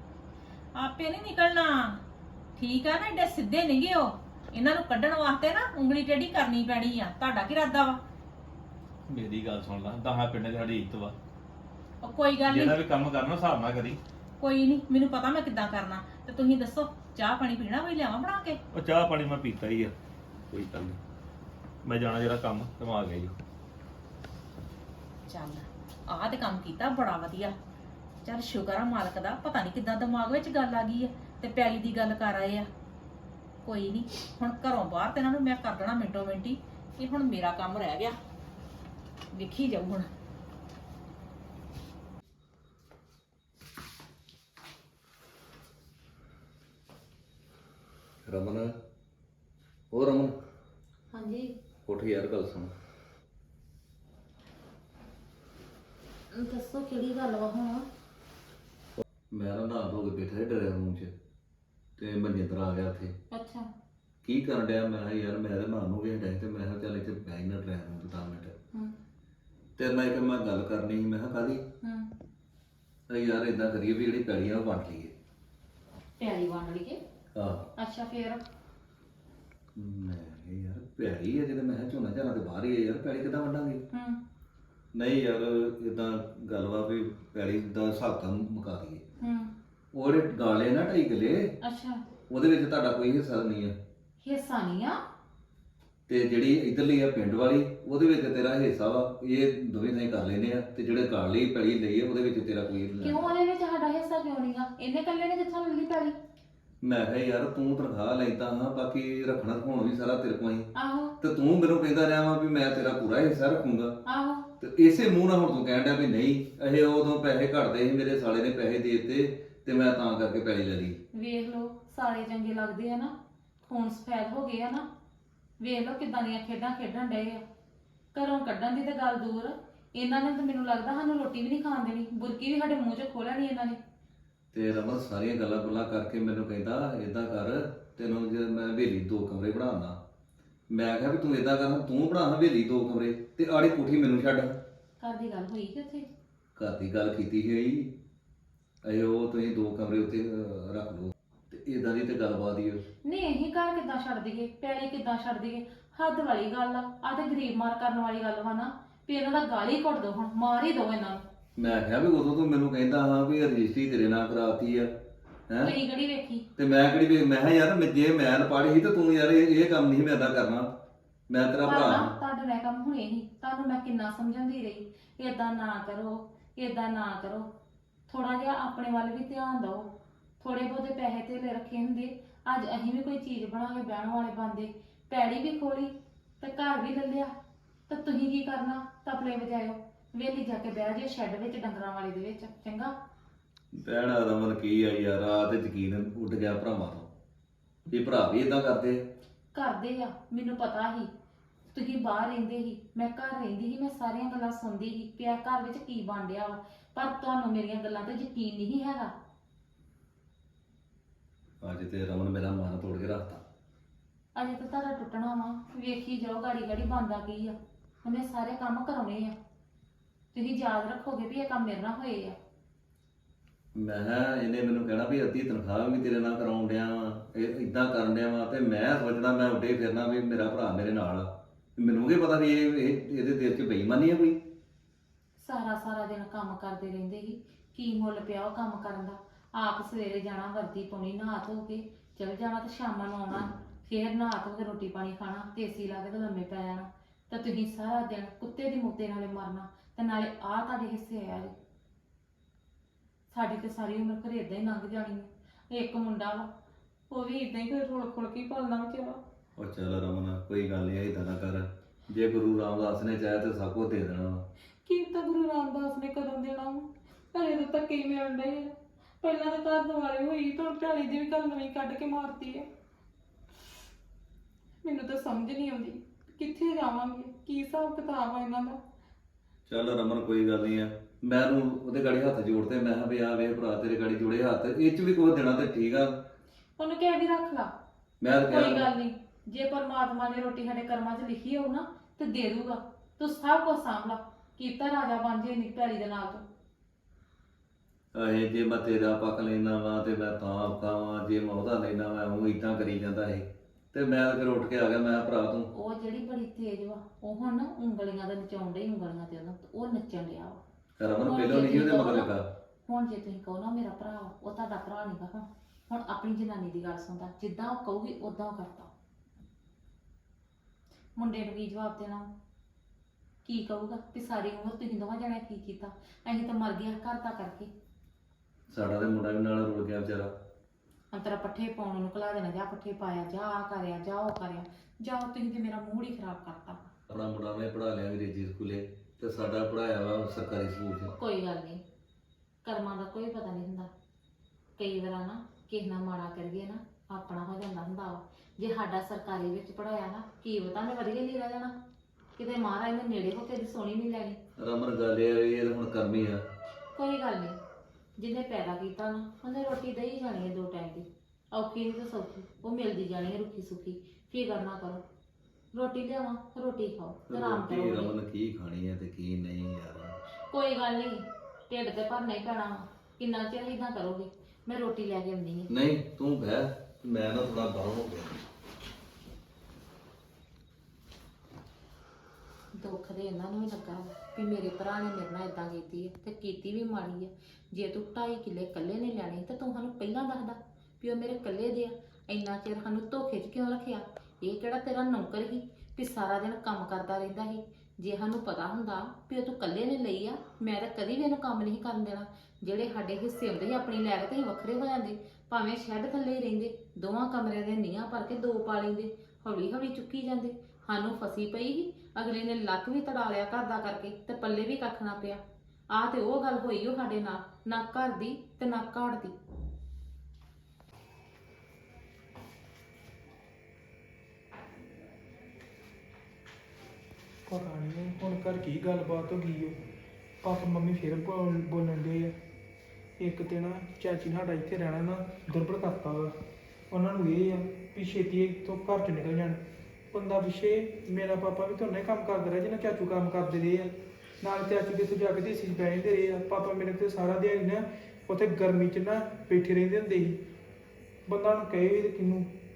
S3: ਆਪੇ ਨਹੀਂ ਨਿਕਲਣਾ, ਠੀਕ ਆ ਨਾ। ਏਡੇ ਸਿੱਧੇ ਨਹੀਂਗੇ ਉਹ, ਇਹਨਾਂ ਨੂੰ ਕੱਢਣ ਵਾਸਤੇ ਨਾ ਉਂਗਲੀ ਟੇਢੀ ਕਰਨੀ ਪੈਣੀ ਆ। ਤੁਹਾਡਾ ਕੀ ਇਰਾਦਾ ਵਾ?
S2: ਮੇਰੀ ਗੱਲ ਸੁਣ ਲੈ, ਦਹਾਂ ਪਿੰਡ ਦੀ ਸਾਡੀ ਇੱਜ਼ਤ ਵਾ।
S3: ਉਹ ਕੋਈ ਗੱਲ
S2: ਜਿਹੜਾ
S3: ਨਹੀਂ,
S2: ਵੀ ਕੰਮ ਕਰਨਾ ਹਿਸਾਬ ਨਾਲ ਕਰੀ।
S3: ਕੋਈ ਨਹੀਂ, ਮੈਨੂੰ ਪਤਾ ਮੈਂ ਕਿੱਦਾਂ ਕਰਨਾ। ਤੇ ਤੁਸੀਂ ਦੱਸੋ ਚਾਹ ਪਾਣੀ ਪੀਣਾ ਕੋਈ ਲਿਆਵਾਂ ਬਣਾ ਕੇ?
S2: ਉਹ ਚਾਹ ਪਾਣੀ ਮੈਂ ਪੀਤਾ ਹੀ ਆ, ਕੋਈ ਗੱਲ ਨਹੀਂ। ਮੈਂ ਜਾਣਾ ਜਿਹੜਾ ਕੰਮ ਤੇ ਮੈਂ ਆ ਗਿਆ ਜੀ।
S3: ਚੱਲ ਆਹ ਤੇ ਕੰਮ ਕੀਤਾ ਬੜਾ ਵਧੀਆ। ਚੱਲ ਸ਼ੁਕਰ ਆ ਮਾਲਕ ਦਾ, ਪਤਾ ਨਹੀਂ ਕਿੱਦਾਂ ਦਿਮਾਗ ਵਿੱਚ ਗੱਲ ਆ ਗਈ ਆ ਤੇ ਪੈਲੀ ਦੀ ਗੱਲ ਕਰ ਆਏ ਆ। ਕੋਈ ਨਹੀਂ, ਹੁਣ ਘਰੋਂ ਬਾਹਰ ਤੇ ਇਹਨਾਂ ਨੂੰ ਮੈਂ ਕਰ ਦੇਣਾ ਮਿੰਟੋ ਮਿੰਟੀ। ਇਹ ਹੁਣ ਮੇਰਾ ਕੰਮ ਰਹਿ ਗਿਆ, ਵੇਖੀ ਜਾਊ ਹੁਣ।
S1: ਰਮਨ, ਉਹ ਰਮਨ
S3: ਹਾਂਜੀ
S1: ਉੱਠ ਯਾਰ, ਗੱਲ ਸੁਣ।
S3: ਦੱਸੋ ਕਿਹੜੀ ਗੱਲ ਵਾ ਹੁਣ?
S1: ਮੈਂ ਨਾ ਨਹਾ ਧੋ ਕੇ ਬੈਠਾ ਸੀ ਡਰਾਈਵਰ ਰੂਮ 'ਚ, ਤੇ ਮਨਜਿੰਦਰ ਆ ਗਿਆ ਉੱਥੇ।
S3: ਅੱਛਾ।
S1: ਕੀ ਕਰਨ ਡਿਆ? ਮੈਂ ਕਿਹਾ ਯਾਰ ਮੈਂ ਤਾਂ ਨਹਾ ਨੂੰ ਗਿਆ ਡਿਆ, ਤੇ ਮੈਂ ਕਿਹਾ ਚੱਲ ਇੱਥੇ ਬਹਿ ਨਾ ਡਰਾਈਵਰ ਰੂਮ 'ਚ ਦਸ ਮਿੰਟ।
S3: ਹੂੰ
S1: ਤੇ ਮੈਂ ਇੱਕ ਮੈਂ ਗੱਲ ਕਰਨੀ ਸੀ, ਮੈਂ ਕਿਹਾ ਕਾਹਦੀ?
S3: ਹੂੰ
S1: ਯਾਰ ਇਦਾਂ ਕਰੀਏ ਵੀ ਜਿਹੜੀ ਪੈਲੀ ਆ ਉਹ ਵੰਡ ਲਈਏ।
S3: ਪੈਲੀ ਵੰਡ ਲਈਏ?
S1: ਆਹ
S3: ਅੱਛਾ ਫੇਰ?
S1: ਮੈਂ ਕਿਹਾ ਯਾਰ ਪੈਲੀ ਆ ਜਿਹਦੇ, ਮੈਂ ਕਿਹਾ ਝੋਨਾ ਝਾਨਾ ਤੇ ਬਾਹਰ ਹੀ ਆ ਯਾਰ, ਪੈਲੀ ਕਿੱਦਾਂ ਵੰਡਾਂਗੇ?
S3: ਹੂੰ
S1: ਨਹੀਂ ਯਾਰ ਇਦਾਂ ਗੱਲ ਵਾ ਵੀ ਪੈਲੀ ਦਾ ਹਿਸਾਬ ਤਾਂ ਮੁਕਾ ਦਈਏ।
S3: ਹੂੰ
S1: ਉਹ ਜਿਹੜੇ ਗਾਲੇ ਨਾ ਢਾਈ ਕਿੱਲੇ,
S3: ਅੱਛਾ।
S1: ਉਹਦੇ ਵਿੱਚ ਤੁਹਾਡਾ ਕੋਈ ਹਿੱਸਾ ਨਹੀਂ ਆ,
S3: ਹਿੱਸਾ ਨਹੀਂ ਆ?
S1: ਤੇ ਜਿਹੜੀ ਇਧਰਲੀ ਆ ਪਿੰਡ ਵਾਲੀ, ਉਹਦੇ ਵਿੱਚ ਤੇਰਾ ਹਿੱਸਾ ਵਾ। ਇਹ ਦੋਵੇਂ ਥਾਂ ਕਰ ਲੈਨੇ ਆ, ਤੇ ਜਿਹੜੇ ਗਾਲ ਲਈ ਪੈਲੀ ਲਈ ਆ ਉਹਦੇ ਵਿੱਚ ਤੇਰਾ ਕੋਈ ਹਿੱਸਾ
S3: ਕਿਉਂ? ਉਹਦੇ ਵਿੱਚ ਸਾਡਾ ਹਿੱਸਾ ਕਿਉਂ ਨਹੀਂਗਾ? ਇਹਨੇ ਕੱਲੇ ਨੇ ਕਿੱਥੋਂ ਲੈ ਲਈ ਪੈਲੀ?
S1: ਮੈਂ ਕਿਹਾ ਯਾਰ ਤੂੰ ਤਨਖਾਹ ਲੈਂਦਾ ਹਾਂ, ਬਾਕੀ ਰੱਖਣਾ ਰਖਾਉਣਾ ਵੀ ਸਾਰਾ ਤੇਰੇ ਕੋਲ ਹੀ,
S3: ਆਹੋ
S1: ਤੇ ਤੂੰ ਮੈਨੂੰ ਕਹਿੰਦਾ ਰਿਹਾ ਵਾ ਵੀ ਮੈਂ ਤੇਰਾ ਪੂਰਾ ਹਿੱਸਾ ਰੱਖੂੰਗਾ।
S3: ਆਹੋ।
S1: ਤੇ ਇਸੇ ਮੂੰਹ ਨਾਲ ਹੁਣ ਤੂੰ ਕਹਿਣ ਡਿਆ ਵੀ ਨਹੀਂ, ਇਹ ਉਦੋਂ ਪੈਸੇ ਘਟਦੇ ਸੀ, ਮੇਰੇ ਸਾਲੇ ਨੇ ਪੈਸੇ ਦੇ ਦਿੱਤੇ ਤੇ ਮੈਂ ਤਾਂ ਕਰਕੇ ਪੈਲੀ ਲੈ ਲਈ।
S3: ਵੇਖ ਲਓ ਸਾਲੇ ਚੰਗੇ ਲੱਗਦੇ ਆ ਨਾ, ਖੂਨ ਸਫੈਦ ਹੋ ਗਏ ਆ ਨਾ। ਵੇਖ ਲਓ ਕਿੱਦਾਂ ਦੀਆਂ ਖੇਡਾਂ ਖੇਡਣ ਡਏ ਆ। ਘਰੋਂ ਕੱਢਣ ਦੀ ਤਾਂ ਗੱਲ ਦੂਰ, ਇਹਨਾਂ ਨੇ ਤਾਂ ਮੈਨੂੰ ਲੱਗਦਾ ਸਾਨੂੰ ਰੋਟੀ ਵੀ ਨਹੀਂ ਖਾਣ ਦੇਣੀ, ਬੁਰਕੀ ਵੀ ਸਾਡੇ ਮੂੰਹ 'ਚ ਖੋਹ ਲੈਣੀ ਇਹਨਾਂ ਨੇ।
S1: ਤੇ ਰਮਨ ਸਾਰੀਆਂ ਗੱਲਾਂ ਗੁੱਲਾਂ ਕਰਕੇ ਮੈਨੂੰ ਕਹਿੰਦਾ ਇਦਾਂ ਕਰ, ਤੈਨੂੰ ਜੇ ਮੈਂ ਹਵੇਲੀ ਦੋ ਕਮਰੇ ਬਣਾਉਣਾ। ਮੈਂ ਕਿਹਾ ਵੀ ਤੂੰ ਇਦਾਂ ਕਰ, ਤੂੰ ਬਣਾ ਹਵੇਲੀ ਦੋ ਕਮਰੇ ਤੇ ਆੜੀ ਕੋਠੀ ਮੈਨੂੰ ਛੱਡ।
S3: ਘਰ ਦੀ ਗੱਲ ਹੋਈ ਕਿ ਉੱਥੇ?
S1: ਘਰ ਦੀ ਗੱਲ ਕੀਤੀ ਸੀ ਹੋਈ, ਅਜੇ ਉਹ ਤੁਸੀਂ ਦੋ ਕਮਰੇ ਉੱਤੇ ਅਹ, ਰੱਖ ਲਓ ਤੇ ਇਦਾਂ ਦੀ ਤੇ ਗੱਲਬਾਤ ਹੀ ਉਹ।
S3: ਨਹੀਂ ਇਹੀ ਘਰ ਕਿੱਦਾਂ ਛੱਡ ਦਈਏ, ਪੈਲੀ ਕਿੱਦਾਂ ਛੱਡ ਦਈਏ? ਹੱਦ ਵਾਲੀ ਗੱਲ ਆ। ਆ ਤੇ ਗਰੀਬ ਮਾਰ ਕਰਨ ਵਾਲੀ ਗੱਲ ਵਾ ਨਾ, ਵੀ ਇਹਨਾਂ ਦਾ ਗਾਲੀ ਘੁੱਟ ਦੋ, ਹੁਣ ਮਾਰ ਹੀ ਦੋ ਇਹਨਾਂ ਨੂੰ।
S1: ਮੈਂ ਕਿਹਾ ਵੀ ਉਦੋਂ ਤੂੰ ਮੈਨੂੰ ਕਹਿੰਦਾ ਹਾਂ ਵੀ ਰਜਿਸਟਰੀ ਤੇਰੇ ਨਾਲ ਕਰਾਤੀ ਆ ਹੈ,
S3: ਕਈ ਗੜੀ ਵੇਖੀ।
S1: ਤੇ ਮੈਂ ਕਿਹੜੀ ਵੀ- ਮੈਂ ਕਿਹਾ ਯਾਰ ਮੈਂ- ਜੇ ਮੈਂ ਪੜ੍ਹੀ ਸੀ ਤੇ ਤੂੰ ਯਾਰ ਇਹ ਇਹ ਕੰਮ ਨਹੀਂ ਮੈਂ ਏਦਾਂ ਕਰਨਾ, ਮੈਂ ਤੇਰਾ
S3: ਪਰ
S1: ਭਰਾ
S3: ਨਾ
S1: ਹਾਂ।
S3: ਤੁਹਾਡੇ ਨਾਲ ਕੰਮ ਹੁਣੇ ਹੀ, ਤੁਹਾਨੂੰ ਮੈਂ ਕਿੰਨਾ ਸਮਝਾਉਂਦੀ ਰਹੀ, ਏਦਾਂ ਨਾ ਕਰੋ, ਏਦਾਂ ਨਾ ਕਰੋ। ਥੋੜਾ ਜਿਹਾ ਆਪਣੇ ਵੱਲ ਵੀ ਧਿਆਨ ਦਿਓ। ਥੋੜੇ ਬਹੁਤੇ ਪੈਸੇ ਧੇਲੇ ਰੱਖੇ ਹੁੰਦੇ, ਅੱਜ ਅਸੀਂ ਵੀ ਕੋਈ ਚੀਜ਼ ਬਣਾ ਕੇ ਬਹਿਣ ਵਾਲੇ ਬੰਦੇ, ਪੈੜੀ ਵੀ ਖੋਲੀ ਤੇ ਘਰ ਵੀ ਲੈ ਲਿਆ, ਤਾਂ ਤੁਸੀਂ ਕੀ ਕਰਨਾ? ਤਪਲੇ ਵਜਾਇਓ, ਵੇਲੀ ਜਾ ਕੇ ਬਹਿ ਜਿਓ ਸ਼ੈੱਡ ਵਿੱਚ ਡੰਗਰਾਂ ਵਾਲੀ ਦੇ ਵਿੱਚ, ਚੰਗਾ?
S1: ਬਹਿਣਾ ਰਮਨ ਕੀ ਆ ਯਾਰ, ਆ ਤੇ ਯਕੀਨ ਉੱਡ ਗਿਆ ਭਰਾਵਾਂ ਤੋਂ ਵੀ ਭਰਾ ਵੀ ਇਦਾਂ ਕਰਦੇ ਆ।
S3: ਕਰਦੇ ਆ, ਮੈਨੂੰ ਪਤਾ ਸੀ। ਤੁਸੀਂ ਬਾਹਰ ਰਹਿੰਦੇ ਸੀ, ਮੈਂ ਘਰ ਰਹਿੰਦੀ ਸੀ, ਮੈਂ ਸਾਰੀਆਂ ਗੱਲਾਂ ਸੁਣਦੀ ਸੀ ਕਿ ਆ ਘਰ ਵਿੱਚ ਕੀ ਬਣ ਰਿਹਾ ਵਾ, ਪਰ ਤੁਹਾਨੂੰ ਮੇਰੀਆਂ ਗੱਲਾਂ ਤੇ ਯਕੀਨ ਨਹੀਂ ਹੈਗਾ।
S1: ਅੱਜ ਤੇ ਰਮਨ ਮੇਰਾ ਮਨ ਤੋੜ ਕੇ ਰੱਖਤਾ।
S3: ਅਜੇ ਤਾਂ ਤੁਹਾਡਾ ਟੁੱਟਣਾ ਵਾ, ਵੇਖੀ ਜਾਓ ਗਾੜੀ ਗਾੜੀ ਬਣਦਾ ਕੀ ਆ। ਉਹਨੇ ਸਾਰੇ ਕੰਮ ਕਰਾਉਣੇ ਆ, ਤੁਸੀਂ ਯਾਦ ਰੱਖੋਗੇ ਵੀ ਇਹ ਕੰਮ ਮੇਰੇ ਨਾਲ ਹੋਏ ਆ।
S1: ਮੈਂ ਕਿਹਾ ਇਹਨੇ ਮੈਨੂੰ ਕਹਿਣਾ ਵੀ ਅੱਧੀ ਤਨਖਾਹ ਵੀ ਤੇਰੇ ਨਾਲ ਕਰਾਉਣ ਡਿਆ ਵਾ, ਇਹ ਇਦਾਂ ਕਰਨ ਡਿਆ ਵਾ, ਤੇ ਮੈਂ ਸੋਚਦਾ ਮੈਂ ਉੱਡੇ ਫਿਰਨਾ ਵੀ ਮੇਰਾ ਭਰਾ ਮੇਰੇ ਨਾਲ ਆ। ਮੈਨੂੰ ਕੀ ਪਤਾ ਵੀ ਇਹ ਇਹ- ਇਹਦੇ ਦਿਲ 'ਚ ਬੇਈਮਾਨੀ ਆ ਕੋਈ।
S3: ਸਾਰਾ ਸਾਰਾ ਦਿਨ ਕੰਮ ਕਰਦੇ ਰਹਿੰਦੇ ਸੀ, ਕੀ ਮੁੱਲ ਪਿਆ ਉਹ ਕੰਮ ਕਰਨ ਦਾ? ਆਪ ਸਵੇਰੇ ਜਾਣਾ, ਵਰਦੀ ਪਾਉਣੀ, ਨਹਾ ਧੋ ਕੇ ਚਲ ਜਾਣਾ, ਤੇ ਸ਼ਾਮਾਂ ਨੂੰ ਆਉਣਾ, ਫੇਰ ਨਹਾ ਧੋ ਕੇ ਰੋਟੀ ਪਾਣੀ ਖਾਣਾ, ਤੇ ਏਸੀ ਲਾ ਕੇ ਤੇ ਲੰਮੇ ਪੈ ਜਾਣਾ। ਤਾਂ ਤੁਸੀਂ ਸਾਰਾ ਦਿਨ ਕੁੱਤੇ ਦੀ ਮੁੱਤੇ ਨਾਲੇ ਮਰਨਾ, ਤੇ ਨਾਲੇ ਆਹ ਤੁਹਾਡੇ ਹਿੱਸੇ ਆਇਆ ਜੀ। ਸਾਡੀ ਤੇ ਸਾਰੀ ਉਮਰ ਘਰੇ ਏਦਾਂ ਹੀ ਲੰਘ ਜਾਣੀ ਹੈ। ਇੱਕ ਮੁੰਡਾ ਵਾ, ਉਹ ਵੀ ਏਦਾਂ ਹੀ ਫਿਰ ਰੋਲ ਖੋਲ ਕੇ ਹੀ ਪਾਲਣਾ ਵਿਚਾਰਾ।
S1: ਉਹ ਚੱਲ ਰਮਨ ਕੋਈ ਗੱਲ ਨਹੀਂ, ਇਦਾਂ ਨਾ ਕਰ, ਜੇ ਗੁਰੂ ਰਾਮਦਾਸ ਨੇ ਚਾਹਿਆ ਤੇ ਸਭ ਕੁਝ ਦੇ ਦੇਣਾ ਵਾ।
S3: ਕੀ ਤਾਂ ਗੁਰੂ ਰਾਮਦਾਸ ਨੇ ਕਦੋਂ ਦੇਣਾ ਵਾ? ਹਲੇ ਤਾਂ ਧੱਕੇ ਹੀ ਮਿਲਣ ਡਏ ਆ। ਪਹਿਲਾਂ ਤਾਂ ਘਰ ਦੁਆਲੇ ਹੋਈ, ਤਾਂ ਢਾਲੀ ਦੀ ਵੀ ਗੱਲ ਨਵੀਂ ਕੱਢ ਕੇ ਮਾਰਤੀ ਹੈ। ਮੈਨੂੰ ਤਾਂ ਸਮਝ ਨਹੀਂ ਆਉਂਦੀ ਕਿੱਥੇ ਜਾਵਾਂਗੇ, ਕੀ ਹਿਸਾਬ ਕਿਤਾਬ ਆ ਇਹਨਾਂ ਦਾ।
S1: ਚੱਲ ਰਮਨ ਕੋਈ ਗੱਲ ਨਹੀਂ ਆ, ਮੈਂ ਉਹਨੂੰ ਉਹਦੇ ਗਾੜੀ ਹੱਥ ਜੋੜਦੇ, ਮੈਂ ਕਿਹਾ ਵੀ ਆ ਵੇ ਭਰਾ ਤੇਰੇ ਗਾੜੀ ਜੋੜੇ ਹੱਥ, ਇਹ 'ਚ ਵੀ ਕੁਝ ਦੇਣਾ ਤੇ ਠੀਕ ਆ।
S3: ਉਹਨੂੰ ਕਹਿ ਵੀ ਰੱਖ ਲਾ,
S1: ਮੈਂ ਤਾਂ
S3: ਕੋਈ
S1: ਕਿਹਾ
S3: ਗੱਲ ਨਹੀਂ। ਜੇ ਪਰਮਾਤਮਾ ਨੇ ਰੋਟੀ ਸਾਡੇ ਕਰਮਾਂ 'ਚ ਲਿਖੀ ਹੋਊ ਨਾ, ਤੇ ਦੇ ਦੂਗਾ। ਤੂੰ ਸਭ ਕੁਝ ਸਾਂਭ ਲਾ, ਕੀਤਾ ਰਾਜਾ ਬਣ ਜੇ ਇੰਨੀ ਭੈੜੀ ਦੇ ਨਾਲ ਤੋਂ।
S1: ਇਹ ਜੇ ਮੈਂ ਤੇਰਾ ਪੱਕ ਲੈਣਾ ਵਾ ਤੇ ਮੈਂ ਤਾਂ ਔਖਾ ਵਾਂ, ਜੇ ਮੈਂ ਉਹਦਾ ਲੈਣਾ ਵਾ ਉਹ ਇਦਾਂ ਕਰੀ ਜਾਂਦਾ ਇਹ। ਤੇ ਮੈਂ ਫਿਰ ਉੱਠ ਕੇ ਆ ਗਿਆ, ਮੈਂ ਕਿਹਾ ਭਰਾ ਤੂੰ
S3: ਉਹ ਜਿਹੜੀ ਬੜੀ ਤੇਜ਼ ਵਾ, ਉਹ ਹੁਣ ਨਾ ਉਂਗਲੀਆਂ ਦੇ ਨਚਾਉਣ ਡਈ, ਉਂਗਲੀਆਂ ਤੇ ਉਹਦਾ ਉਹ ਨੱਚਣ ਡਿਆ ਵਾ।
S1: ਰਮਨ
S3: ਹੁਣ
S1: ਪਹਿਲਾਂ
S3: ਜੇ
S1: ਨਹੀਂ ਉਹਦੇ
S3: ਤੁਸੀਂ
S1: ਮਗਰ
S3: ਕਹੋ ਨਾ-
S1: ਲੱਗਾ।
S3: ਹੁਣ ਜੇ ਤੁਸੀਂ ਕਹੋ ਨਾ ਮੇਰਾ ਭਰਾ ਵਾ, ਉਹ ਤੁਹਾਡਾ ਭਰਾ ਨਹੀਂ ਗਾ। ਹੁਣ ਹੁਣ ਆਪਣੀ ਜਨਾਨੀ ਦੀ ਗੱਲ ਸੁਣਦਾ, ਜਿੱਦਾਂ ਉਹ ਕਹੂਗੀ ਉਦਾਂ ਉਹ ਕਰਦਾ। ਮੁੰਡੇ ਨੂੰ ਕੀ ਜਵਾਬ ਦੇਣਾ? ਕੀ ਕਹੂਗਾ ਵੀ ਸਾਰੀ ਉਮਰ ਤੁਸੀਂ ਦੋਵਾਂ ਜਣਿਆਂ ਕੀ ਕੀਤਾ, ਅਸੀਂ ਤਾਂ ਮਰ ਗਿਆ ਘਰ ਦਾ ਕਰਕੇ।
S1: ਸਾਡਾ ਤੇ ਮੁੰਡਾ ਵੀ ਨਾਲ ਰੁਲ ਗਿਆ ਵਿਚਾਰਾ।
S3: ਅੰਤਰਾ ਪੱਠੇ ਪਾਉਣ ਨੂੰ ਕਲਾ ਦੇਣਾ, ਜਾ ਪੱਠੇ ਪਾਇਆ, ਜਾ ਆ ਕਰਿਆ, ਜਾ ਉਹ ਕਰਿਆ, ਜਾ ਤੁਸੀਂ ਤੇ ਮੇਰਾ ਮੂਡ ਹੀ ਖਰਾਬ ਕਰਤਾ।
S1: ਆਪਣਾ ਮੁੰਡਾ ਨੇ ਪੜਾ ਲਿਆ ਅੰਗਰੇਜ਼ੀ ਸਕੂਲੇ ਤੇ ਸਾਡਾ ਪੜਾਇਆ ਵਾ ਸਰਕਾਰੀ ਸਕੂਲ 'ਚ।
S3: ਕੋਈ ਗੱਲ ਨਹੀਂ, ਕਰਮਾਂ ਦਾ ਕੋਈ ਪਤਾ ਨਹੀਂ ਹੁੰਦਾ। ਕਈ ਵਾਰ ਨਾ ਕਿਸੇ ਨਾਲ ਮਾੜਾ ਕਰੀਏ ਨਾ, ਆਪਣਾ ਹੋ ਜਾਂਦਾ ਹੁੰਦਾ ਵਾ। ਜੇ ਸਾਡਾ ਸਰਕਾਰੀ ਵਿੱਚ ਪੜਾਇਆ ਨਾ, ਕੀ ਪਤਾ ਨੇ ਵਧੀਆ ਨਹੀਂ ਰਹਿ ਜਾਣਾ, ਕਿਤੇ ਮਹਾਰਾਜ ਨੇ ਨੇੜੇ ਹੋ ਕੇ ਦੀ ਸੋਣੀ ਨਹੀਂ ਲੈਣੀ।
S1: ਰਮਨ ਗੱਲ ਇਹ ਆ ਵੀ ਇਹ ਤਾਂ ਹੁਣ ਕਰਮੀ ਆ।
S3: ਕੋਈ ਗੱਲ ਨਹੀਂ, ਜਿਹਨੇ ਪੈਦਾ ਕੀਤਾ ਨਾ ਉਹਨੇ ਰੋਟੀ ਦੇ ਹੀ ਜਾਣੀ ਹੈ ਦੋ ਟਾਈਮ ਦੀ, ਔਖੀ ਨਹੀਂ ਤਾਂ ਸੌਖੀ, ਉਹ ਮਿਲਦੀ ਜਾਣੀ ਹੈ ਰੁੱਖੀ ਸੁੱਖੀ। ਫਿਕਰ ਨਾ ਕਰੋ, ਰੋਟੀ ਲਿਆਵਾਂ, ਰੋਟੀ ਖਾਓ ਤੇ ਆਰਾਮ
S1: ਰੋਟੀ
S3: ਕਰੋ।
S1: ਰਮਨ ਕੀ ਖਾਣੀ ਹੈ ਤੇ ਕੀ ਨਹੀਂ ਯਾਰ।
S3: ਕੋਈ ਗੱਲ ਨਹੀਂ, ਢਿੱਡ ਤੇ ਭਰਨਾ ਹੀ ਪੈਣਾ ਵਾ। ਕਿੰਨਾ ਚਿਰ ਇਦਾਂ ਕਰੋਗੇ? ਮੈਂ ਰੋਟੀ ਲੈ ਕੇ ਆਉਂਦੀ ਹਾਂ।
S1: ਨਹੀਂ ਤੂੰ ਬਹਿ, ਮੈਂ ਨਾ ਥੋੜਾ ਬਾਹਰ ਹੋ ਗਿਆ।
S3: ਦੁੱਖ ਦੇ ਇਹਨਾਂ ਨੂੰ ਵੀ ਲੱਗਾ ਵਾ ਵੀ ਮੇਰੇ ਭਰਾ ਨੇ ਮੇਰੇ ਨਾਲ ਇਦਾਂ ਕੀਤੀ ਹੈ, ਤੇ ਕੀਤੀ ਵੀ ਮਾੜੀ ਹੈ। ਜੇ ਤੂੰ ਢਾਈ ਕਿੱਲੇ ਇਕੱਲੇ ਨੇ ਲੈਣੇ ਤਾਂ ਤੂੰ ਸਾਨੂੰ ਪਹਿਲਾਂ ਦੱਸਦਾ ਵੀ ਉਹ ਮੇਰੇ ਇਕੱਲੇ ਦੇ ਆ। ਇੰਨਾ ਚਿਰ ਸਾਨੂੰ ਧੋਖੇ 'ਚ ਕਿਉਂ ਰੱਖਿਆ? ਇਹ ਕਿਹੜਾ ਤੇਰਾ ਨੌਕਰ ਸੀ ਵੀ ਸਾਰਾ ਦਿਨ ਕੰਮ ਕਰਦਾ ਰਹਿੰਦਾ ਸੀ? ਜੇ ਸਾਨੂੰ ਪਤਾ ਹੁੰਦਾ ਵੀ ਉਹ ਤੂੰ ਇਕੱਲੇ ਨੇ ਲਈ ਆ, ਮੈਂ ਤਾਂ ਕਦੀ ਵੀ ਇਹਨੂੰ ਕੰਮ ਨਹੀਂ ਕਰਨ ਦੇਣਾ। ਜਿਹੜੇ ਸਾਡੇ ਹਿੱਸੇ ਹੁੰਦੇ ਸੀ ਆਪਣੀ ਲੈ ਕੇ ਤੇ ਅਸੀਂ ਵੱਖਰੇ ਹੋ ਜਾਂਦੇ, ਭਾਵੇਂ ਸ਼ੈੱਡ ਥੱਲੇ ਹੀ ਰਹਿੰਦੇ, ਦੋਵਾਂ ਕਮਰਿਆਂ ਦੇ ਨੀਹਾਂ ਭਰ ਕੇ ਦੋ ਪਾ ਲੈਂਦੇ, ਹੌਲੀ ਹੌਲੀ ਚੁੱਕੀ ਜਾਂਦੇ। ਸਾਨੂੰ ਫਸੀ ਪਈ ਸੀ, ਅਗਲੇ ਨੇ ਲੱਕ ਵੀ ਤੜਾ ਲਿਆ ਘਰ ਦਾ ਕਰਕੇ, ਤੇ ਪੱਲੇ ਵੀ ਕੱਖ ਨਾ ਪਿਆ। ਆਹ ਤੇ ਉਹ ਗੱਲ ਹੋਈ ਉਹ ਸਾਡੇ ਨਾਲ, ਨਾ ਘਰ ਦੀ ਤੇ ਨਾ ਘਾੜ ਦੀ।
S4: ਪਤਾ ਨਹੀਂ ਹੁਣ ਘਰ ਕੀ ਗੱਲਬਾਤ ਹੋ ਗਈ ਓ। ਪਾਪਾ ਮੰਮੀ ਫਿਰ ਬੋਲ- ਬੋਲਣ ਦੇ ਆ ਇੱਕ ਤੇ ਨਾ ਚਾਚੀ ਨੇ ਸਾਡਾ ਇੱਥੇ ਰਹਿਣਾ ਨਾ ਦੁਰਬਲ ਕਰਤਾ ਵਾ। ਉਹਨਾਂ ਨੂੰ ਇਹ ਆ ਵੀ ਛੇਤੀ ਤੋਂ ਘਰ ਚ ਨਿਕਲ ਜਾਣ। ਬੰਦਾ ਪਿੱਛੇ ਮੇਰਾ ਪਾਪਾ ਵੀ ਤੁਹਾਨੂੰ ਕੰਮ ਕਰਦਾ ਰਿਹਾ, ਜਿੰਨਾ ਚਾਚੂ ਕੰਮ ਕਰਦੇ ਰਹੇ ਆ। ਨਾਲ ਚਾਚੂ ਦੇ ਤੋਂ ਜਾ ਕੇ ਦੇਸੀ ਪੈ ਜਾਂਦੇ ਰਹੇ ਆ। ਪਾਪਾ ਮੇਰੇ ਤੇ ਸਾਰਾ ਦਿਹਾੜੀ ਨਾ ਉੱਥੇ ਗਰਮੀ 'ਚ ਨਾ ਬੈਠੇ ਰਹਿੰਦੇ ਹੁੰਦੇ ਸੀ। ਬੰਦਾ ਨੂੰ ਕਹੇ ਵੀ ਤੇ ਕਿਹਨੂੰ